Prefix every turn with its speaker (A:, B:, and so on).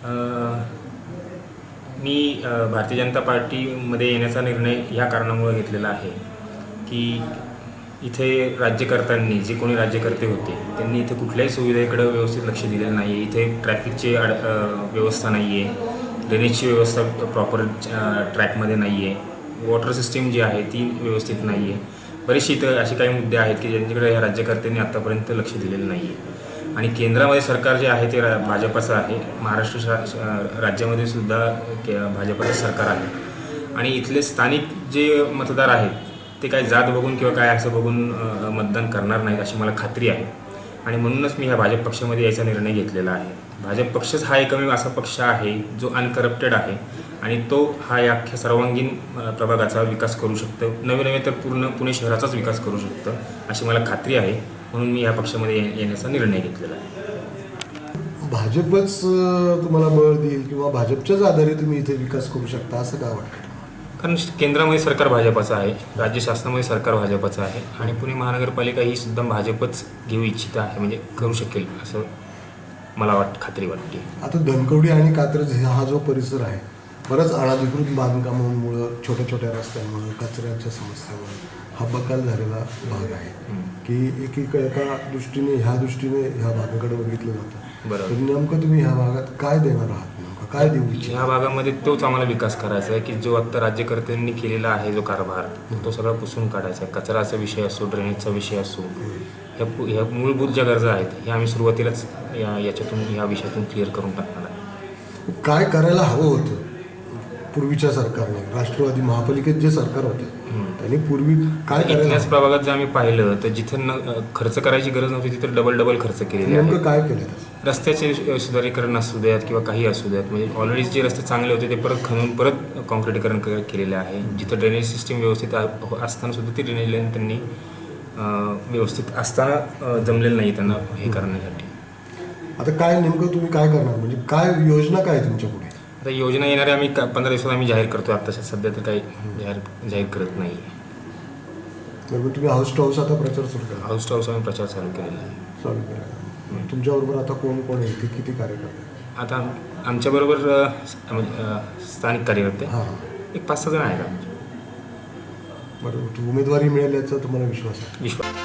A: मी भारतीय जनता पार्टीमध्ये येण्याचा निर्णय ह्या कारणामुळे घेतलेला आहे की इथे राज्यकर्त्यांनी जे कोणी राज्यकर्ते होते त्यांनी इथे कुठल्याही सुविधेकडे व्यवस्थित लक्ष दिलेलं नाही आहे. इथे ट्रॅफिकची व्यवस्था नाही आहे, ड्रेनेजची व्यवस्था प्रॉपर ट्रॅकमध्ये नाही आहे, वॉटर सिस्टीम जी आहे ती व्यवस्थित नाही आहे. बरेचसे इथं असे काही मुद्दे आहेत की ज्यांच्याकडे या राज्यकर्त्यांनी आत्तापर्यंत लक्ष दिलेलं नाही आहे. आणि केंद्रामध्ये सरकार जे आहे ते भाजपाचं आहे, महाराष्ट्र राज्यामध्ये सुद्धा भाजपाचं सरकार आहे. आणि इथले स्थानिक जे मतदार आहेत ते काय जात बघून किंवा काय असं बघून मतदान करणार नाहीत अशी मला खात्री आहे. आणि म्हणूनच मी ह्या भाजप पक्षामध्ये यायचा निर्णय घेतलेला आहे. भाजप पक्षच हा एकमेव असा पक्ष आहे जो अनकरप्टेड आहे आणि तो हा या अख्ख्या सर्वांगीण प्रभागाचा विकास करू शकतो, नवे तर पूर्ण पुणे शहराचाच विकास करू शकतं अशी मला खात्री आहे. म्हणून मी या पक्षामध्ये येण्याचा निर्णय घेतलेला आहे.
B: भाजपच तुम्हाला बळ देईल किंवा भाजपच्याच आधारे तुम्ही इथे विकास करू शकता असं का वाटतं?
A: कारण केंद्रामध्ये सरकार भाजपाचं आहे, राज्य शासनामध्ये सरकार भाजपाचं आहे आणि पुणे महानगरपालिका ही सुद्धा भाजपच घेऊ इच्छित आहे, म्हणजे करू शकेल असं मला खात्री वाटते.
B: आता धनकवडी आणि कात्रज हा जो परिसर आहे, बरंच अनधिकृत बांधकामांमुळं, छोट्या छोट्या रस्त्यांमुळे, कचऱ्याच्या समस्यामुळे हा बकाल झालेला भाग आहे की एका दृष्टीने ह्या भागाकडे बघितलं जातं.
A: बरोबर.
B: नेमकं तुम्ही ह्या भागात काय देणार आहात, नेमकं काय देऊ इच्छिता?
A: ह्या भागामध्ये तोच आम्हाला विकास करायचा आहे की जो आत्ता राज्यकर्त्यांनी केलेला आहे जो कारभार तो सगळा पुसून काढायचा आहे. कचराचा विषय असो, ड्रेनेजचा विषय असो, ह्या मूलभूत ज्या गरजा आहेत हे आम्ही सुरुवातीलाच ह्या विषयातून क्लिअर करून टाकणार आहे.
B: काय करायला हवं होतं पूर्वीच्या सरकारने? राष्ट्रवादी महापालिकेत जे सरकार होते त्यांनी पूर्वी काय करायला?
A: इतिहास प्रभागात जर आम्ही पाहिलं तर जिथं खर्च करायची गरज नव्हती तिथं डबल खर्च केलेले आहे.
B: नेमकं काय केलं?
A: रस्त्याचे सुधारीकरण असू द्यात किंवा काही असू द्यात, म्हणजे ऑलरेडी जे रस्ते चांगले होते ते परत खणून परत कॉन्क्रिटीकरण केलेले आहे. जिथं ड्रेनेज सिस्टीम व्यवस्थित असताना सुद्धा ती ड्रेनेज लाईन त्यांनी व्यवस्थित असताना जमलेलं नाही त्यांना हे करण्यासाठी.
B: आता काय नेमकं तुम्ही काय करणार, म्हणजे काय योजना काय आहे तुमच्या पुढे?
A: आता योजना येणाऱ्या आम्ही 15 दिवसात आम्ही जाहीर करतो. आत्ताच्या सध्या तर काही जाहीर करत नाही.
B: बरोबर. तुम्ही हाऊस टू हाऊस आता प्रचार सुरू केला?
A: हाऊस टू हाऊस आम्ही प्रचार चालू केलेला आहे.
B: चालू केला. तुमच्याबरोबर आता कोण कोण आहे, किती कार्यकर्ते?
A: आता आमच्याबरोबर स्थानिक कार्यकर्ते
B: हां,
A: एक 5-6 जण आहेत आमचे.
B: बरोबर. उमेदवारी मिळाल्याचा तुम्हाला विश्वास आहे?
A: विश्वास